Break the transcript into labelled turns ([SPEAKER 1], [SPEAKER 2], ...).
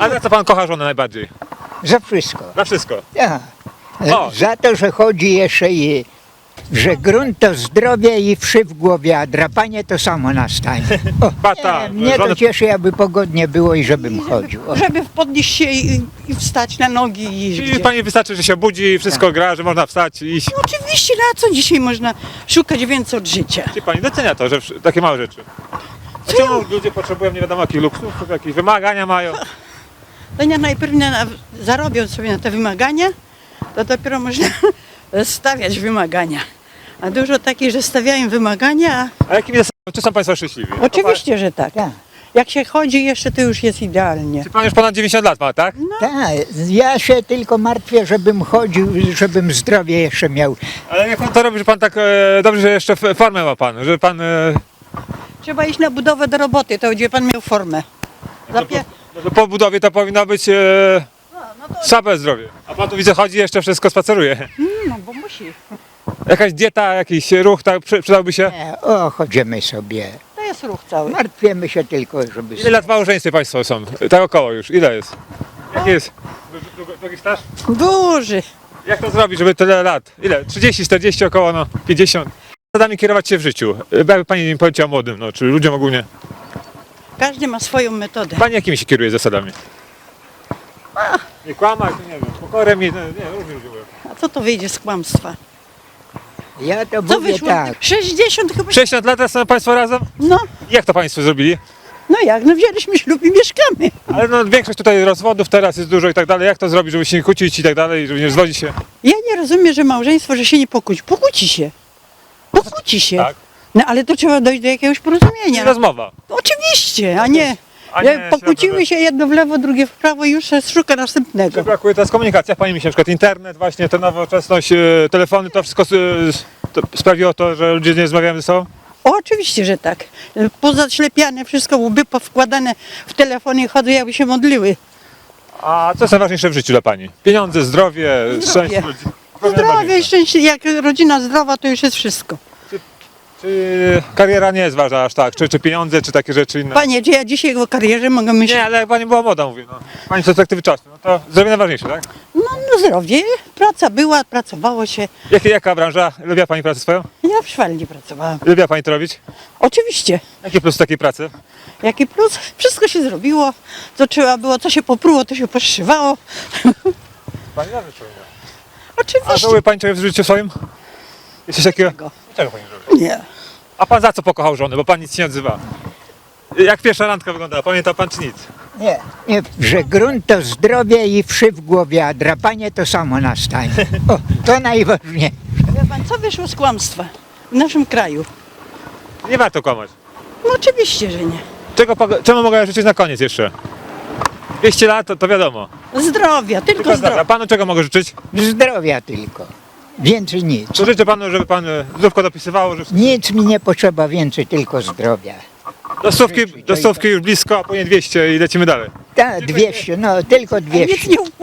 [SPEAKER 1] A za co pan kocha żonę najbardziej?
[SPEAKER 2] Za wszystko.
[SPEAKER 1] Za wszystko.
[SPEAKER 2] Ja.
[SPEAKER 1] O.
[SPEAKER 2] Za to, że chodzi jeszcze i że grunt to zdrowie i wszy w głowie, a drapanie to samo nastanie. O,
[SPEAKER 1] Bata,
[SPEAKER 2] mnie to
[SPEAKER 1] żony-
[SPEAKER 2] cieszy, aby pogodnie było i żebym chodził. O.
[SPEAKER 3] Żeby podnieść się i wstać na nogi i iść
[SPEAKER 1] Czyli
[SPEAKER 3] gdzie.
[SPEAKER 1] pani wystarczy, że się budzi, wszystko gra, że można wstać i iść.
[SPEAKER 3] No oczywiście, na co dzisiaj można szukać więcej od życia?
[SPEAKER 1] Czy pani docenia to, że takie małe rzeczy? A czemu ludzie potrzebują nie wiadomo jakich luksusów, jakieś wymagania mają?
[SPEAKER 3] To nie najpierw zarobią sobie na te wymagania, to dopiero można stawiać wymagania. A dużo takich, że stawiają wymagania,
[SPEAKER 1] A jakimi zasadami, czy są państwo szczęśliwi?
[SPEAKER 3] a oczywiście, że tak.
[SPEAKER 2] Tak.
[SPEAKER 3] Jak się chodzi jeszcze, to już jest idealnie.
[SPEAKER 1] Czy pan już ponad 90 lat ma, tak?
[SPEAKER 2] Tak, ja się tylko martwię, żebym chodził, żebym zdrowie jeszcze miał.
[SPEAKER 1] Ale jak pan to robi, że pan tak dobrze, że jeszcze formę ma pan, że pan...
[SPEAKER 3] Trzeba iść na budowę do roboty, to będzie pan miał formę.
[SPEAKER 1] Po budowie to powinno być słabe zdrowie. A pan tu widzę chodzi jeszcze wszystko spaceruje.
[SPEAKER 3] No bo musi.
[SPEAKER 1] Jakaś dieta, jakiś ruch tak przydałby się?
[SPEAKER 2] Nie, o, chodzimy sobie.
[SPEAKER 3] To jest ruch cały.
[SPEAKER 2] Martwimy się tylko, żeby...
[SPEAKER 1] Ile lat w małżeństwie państwo są? Tak około już, ile jest? Jaki jest? Długi staż?
[SPEAKER 3] Duży.
[SPEAKER 1] Jak to zrobić, żeby tyle lat? Ile? 30, 40 około, no 50. Zasadami kierować się w życiu. Jakby pani im powiedziała młodym, no, czy ludziom ogólnie.
[SPEAKER 3] Każdy ma swoją metodę.
[SPEAKER 1] Pani jakimi się kieruje zasadami? Nie kłamać, nie wiem, pokorę mi, nie, różni ludzie mówią.
[SPEAKER 3] A co to wyjdzie z kłamstwa?
[SPEAKER 2] Ja to
[SPEAKER 3] Co
[SPEAKER 2] mówię
[SPEAKER 3] wyszło?
[SPEAKER 2] tak.
[SPEAKER 3] 60 chyba.
[SPEAKER 1] 60 lat są państwo razem?
[SPEAKER 3] No,
[SPEAKER 1] Jak to państwo zrobili?
[SPEAKER 3] no jak? No wzięliśmy ślub i mieszkamy.
[SPEAKER 1] Ale no większość tutaj rozwodów teraz jest dużo i tak dalej. Jak to zrobić, żeby się nie kłócić i tak dalej, żeby nie zwodzić się?
[SPEAKER 3] Ja nie rozumiem, że małżeństwo, że się nie pokłóci. Pokłóci się. Pokłóci się.
[SPEAKER 1] Tak.
[SPEAKER 3] No ale to trzeba dojść do jakiegoś porozumienia.
[SPEAKER 1] Rozmowa.
[SPEAKER 3] Oczywiście, a nie.
[SPEAKER 1] A nie
[SPEAKER 3] Pokłóciły się jedno w lewo, drugie w prawo i już się szuka następnego.
[SPEAKER 1] Czy brakuje teraz komunikacji? Jak pani myśli, na przykład internet, właśnie ta nowoczesność, telefony, to wszystko to sprawiło to, że ludzie nie rozmawiają ze sobą?
[SPEAKER 3] O, oczywiście, że tak. Pozaślepiane, wszystko łby powkładane w telefonie, chodzą jakby się modliły.
[SPEAKER 1] A co jest najważniejsze w życiu dla pani? Pieniądze, zdrowie, szczęście ludzi?
[SPEAKER 3] Zdrowie, szczęście, jak rodzina zdrowa, to już jest wszystko.
[SPEAKER 1] Czy kariera nie jest ważna aż tak? Czy pieniądze, czy takie rzeczy inne?
[SPEAKER 3] Panie, czy ja dzisiaj o karierze mogę myśleć?
[SPEAKER 1] Nie, ale jak pani była młoda, mówię, no. Pani z perspektywy czasu, no to zdrowie najważniejsze, tak?
[SPEAKER 3] No zdrowie, praca była, pracowało się.
[SPEAKER 1] Jaka branża? Lubiła pani pracę swoją?
[SPEAKER 3] Ja w szwalni pracowałam.
[SPEAKER 1] Lubiła pani to robić?
[SPEAKER 3] Oczywiście.
[SPEAKER 1] Jaki plus takiej pracy?
[SPEAKER 3] Jaki plus? Wszystko się zrobiło, co trzeba było, co się popruło, to się poszywało.
[SPEAKER 1] Pani dobrze czuje. A
[SPEAKER 3] Oczywiście.
[SPEAKER 1] żałuje pani czegoś w życiu swoim? Jest coś takiego?
[SPEAKER 3] Czego?
[SPEAKER 1] Czego pani żałuje?
[SPEAKER 3] Nie.
[SPEAKER 1] A pan za co pokochał żonę? Bo pan nic się nie odzywa. Jak pierwsza randka wyglądała? Pamięta pan czy nic?
[SPEAKER 2] Nie, nie, że grunt to zdrowie i wszy w głowie, a drapanie to samo nastanie. O, to najważniejsze.
[SPEAKER 3] Wie pan, co wyszło z kłamstwa w naszym kraju?
[SPEAKER 1] Nie warto kłamać.
[SPEAKER 3] No oczywiście, że nie.
[SPEAKER 1] Czemu mogę życzyć na koniec jeszcze? 200 lat to wiadomo.
[SPEAKER 3] Zdrowia, tylko
[SPEAKER 1] Tylko zdrowia.
[SPEAKER 3] zdrowia.
[SPEAKER 1] A panu czego mogę życzyć?
[SPEAKER 2] Zdrowia tylko. Więcej nic.
[SPEAKER 1] To życzę panu, żeby pan zdrówko dopisywało, że
[SPEAKER 2] Nic mi nie potrzeba więcej, tylko zdrowia.
[SPEAKER 1] do stówki już blisko, a później 200 i lecimy dalej.
[SPEAKER 2] Tak, 200, no tylko 200.
[SPEAKER 3] Nic nie